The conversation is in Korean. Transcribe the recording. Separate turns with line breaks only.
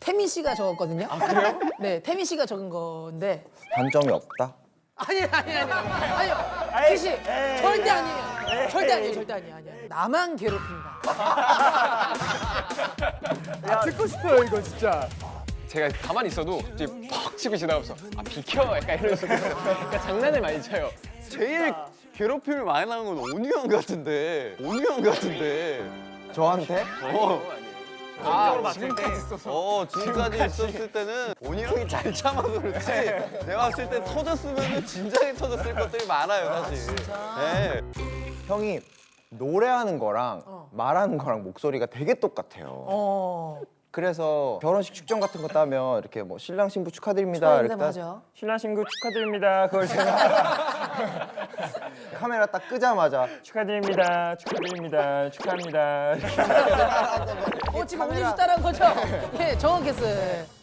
태민 씨가 적었거든요. 아 그래요? 네, 태민 씨가 적은 건데.
단점이 없다?
아니요. 태씨 절대 아니에요. 절대 아니에요. 나만 괴롭힌다.
듣고 싶어요 이거 진짜.
제가 가만히 있어도 갑자기 팍 치고 지나가면서 아 비켜 약간 이런 식으로 그러니까 장난을 많이 쳐요.
제일 괴롭힘을 많이 나는 건 온유 형 같은데. 온유 형 같은데.
저한테?
지금까지 있었을 때는 온유 형이 잘 참아서 그렇지. 내가 봤을 때 터졌으면 진작에 터졌을 것들이 많아요, 사실. 네.
형이 노래하는 거랑 말하는 거랑 목소리가 되게 똑같아요. 그래서 결혼식 축전 같은 거 따면 이렇게 뭐 신랑 신부 축하드립니다. 이렇게
맞아.
신랑 신부 축하드립니다. 그걸 제가
카메라 딱 끄자마자
축하드립니다. 축하합니다.
지금 음료수 따라한 거죠? 예, 정확했어요.